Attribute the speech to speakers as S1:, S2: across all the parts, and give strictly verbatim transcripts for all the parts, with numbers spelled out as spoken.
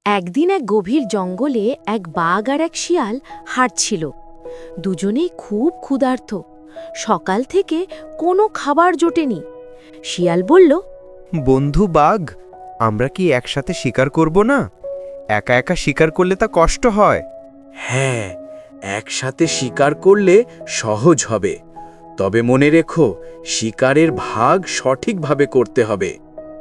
S1: একদিন এক গভীর জঙ্গলে এক বাঘ আর এক শিয়াল হাঁটছিল। দুজনেই খুব ক্ষুধার্ত। সকাল থেকে কোনো খাবার জোটেনি। শিয়াল বলল,
S2: বন্ধু বাঘ, আমরা কি একসাথে শিকার করব না? একা একা শিকার করলে তা কষ্ট হয়।
S3: হ্যাঁ, একসাথে শিকার করলে সহজ হবে। তবে মনে রেখো, শিকারের ভাগ সঠিকভাবে করতে হবে।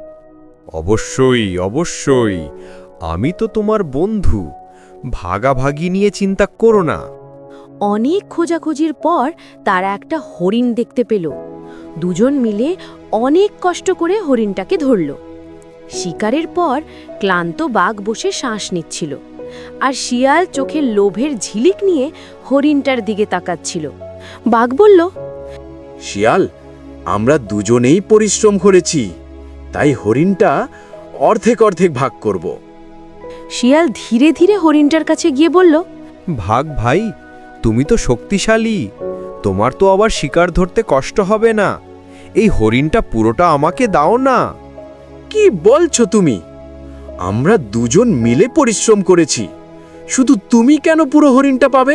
S2: অবশ্যই অবশ্যই, আমি তো তোমার বন্ধু। ভাগাভাগি নিয়ে চিন্তা করো না।
S1: অনেক খোঁজাখুঁজির পর তারা একটা হরিণ দেখতে পেল। দুজন মিলে অনেক কষ্ট করে হরিণটাকে ধরল। শিকারের পর ক্লান্ত বাঘ বসে শ্বাস নিচ্ছিল, আর শিয়াল চোখের লোভের ঝিলিক নিয়ে হরিণটার দিকে তাকাচ্ছিল। বাঘ বলল,
S3: শিয়াল, আমরা দুজনেই পরিশ্রম করেছি, তাই হরিণটা অর্ধেক অর্ধেক ভাগ করব।
S1: শিয়াল ধীরে ধীরে হরিণটার কাছে গিয়ে বলল,
S2: ভাগ ভাই, তুমি তো শক্তিশালী, তোমার তো আবার শিকার ধরতে কষ্ট হবে না। এই হরিণটা পুরোটা আমাকে দাও না।
S3: কি বলছো তুমি? আমরা দুজন মিলে পরিশ্রম করেছি, শুধু তুমি কেন পুরো হরিণটা পাবে?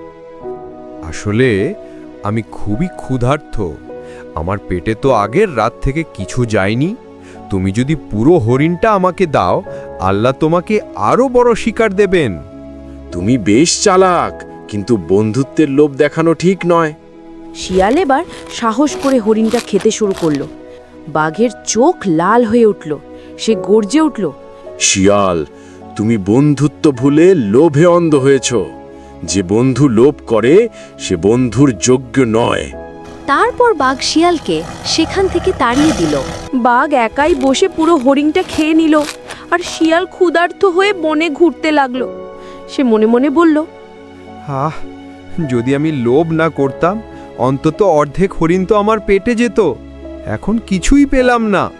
S2: আসলে আমি খুবই ক্ষুধার্ত। আমার পেটে তো আগের রাত থেকে কিছু যায়নি। তুমি যদি পুরো হরিণটা আমাকে দাও, আল্লাহ তোমাকে আরো বড় শিকার দেবেন।
S3: তুমি বেশ চালাক, কিন্তু বন্ধুত্বের লোভ দেখানো ঠিক নয়।
S1: শিয়াল এবার সাহস করে হরিণটা খেতে শুরু করলো। বাঘের চোখ লাল হয়ে উঠল। সে গর্জে উঠল,
S3: শিয়াল, তুমি বন্ধুত্ব ভুলে লোভে অন্ধ হয়েছ। যে বন্ধু লোভ করে সে বন্ধুর যোগ্য নয়।
S1: তারপর বাঘ শিয়ালকে সেখান থেকে তাড়িয়ে দিল। বাঘ একাই বসে পুরো হরিণটা খেয়ে নিল, আর শিয়াল ক্ষুধার্ত হয়ে বনে ঘুরতে লাগলো। সে মনে মনে বলল,
S2: আহ, যদি আমি লোভ না করতাম, অন্তত অর্ধেক হরিণ তো আমার পেটে যেত। এখন কিছুই পেলাম না।